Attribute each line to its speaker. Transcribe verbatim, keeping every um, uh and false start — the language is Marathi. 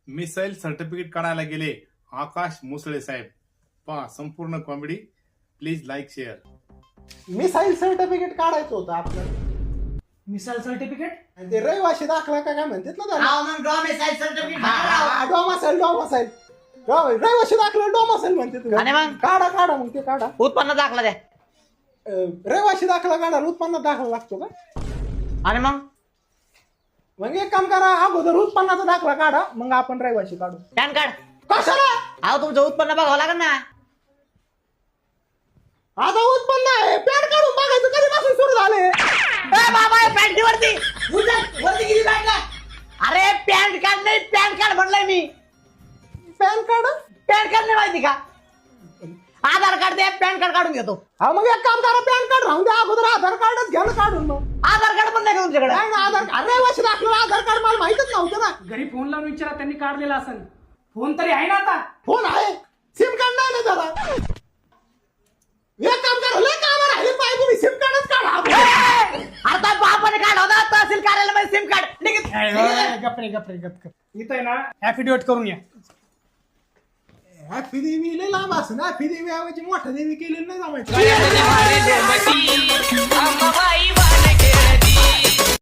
Speaker 1: मिसाईल सर्टिफिकेट काढायला गेले आकाश मुसळे साहेब. पहा संपूर्ण comedy. Please like share.
Speaker 2: Domicile certificate काढायचं होतं आपल्याला.
Speaker 3: मिसाईल सर्टिफिकेट
Speaker 2: आणि ते रहिवाशी दाखला का काय म्हणतात ना त्याला.
Speaker 4: हा मग डॉमिसाईल सर्टिफिकेट
Speaker 2: डोमासाईल डोमासाईल रहिवाशी दाखला डोमासाईल म्हणतात.
Speaker 4: आणि मग?
Speaker 2: काढा काढा मग ते काढा.
Speaker 4: उत्पन्न दाखला द्या.
Speaker 2: अं, रहिवाशी दाखला काढायला उत्पन्न दाखला लागतो का?
Speaker 4: आणि मग
Speaker 2: मग एक काम करा, अगोदर उत्पन्नाचा दाखला काढा, मग आपण रहिवाशी काढू.
Speaker 4: PAN card.
Speaker 2: कशाला?
Speaker 4: अहो तुमचं उत्पन्न बघावं लागेल ना.
Speaker 2: आता उत्पन्न आहे, पॅन काढून बघायचं कधीपासून सुरू झाले.
Speaker 4: ए बाबा पॅन्टी वरती वरती किती पॅन्ट. अरे पॅन्ट कार्ड नाही पॅन कार्ड म्हणलंय मी.
Speaker 2: पॅन कार्ड
Speaker 4: पॅन कार्ड नाही माहिती का? आधार कार्ड दे पॅन कार्ड काढून घेतो.
Speaker 2: हा मग एक काम करा, पॅन कार्ड राहून द्या, अगोदर आधार कार्डच घ्या ना काढून. मग
Speaker 4: आधार कार्ड पण नाही का तुमच्याकडे?
Speaker 2: नाही ना, आधार कार्ड रहिवाशी दाखला आधार कार्ड मला माहितच नव्हतं ना.
Speaker 3: घरी फोन लावून विचारा, त्यांनी काढलेला असेल. फोन तरी आहे ना आता.
Speaker 2: फोन आहे, सिम कार्ड नाही ना त्याला. एक काम करा, लय काम राहिले पाहिजे, तुम्ही सिम कार्डच काढा.
Speaker 4: आता बापाने काढवला तहसील कार्यालयामध्ये सिम कार्ड निघित.
Speaker 3: गपरे गपरे गप इथं आहे ना ऍफिडेविट करून या.
Speaker 2: हॅपी देवी लय लांब असं ना, हॅपी देवी ऐवजी मोठा देवी केलेलं नाही जमायचं.
Speaker 5: अंबाबाई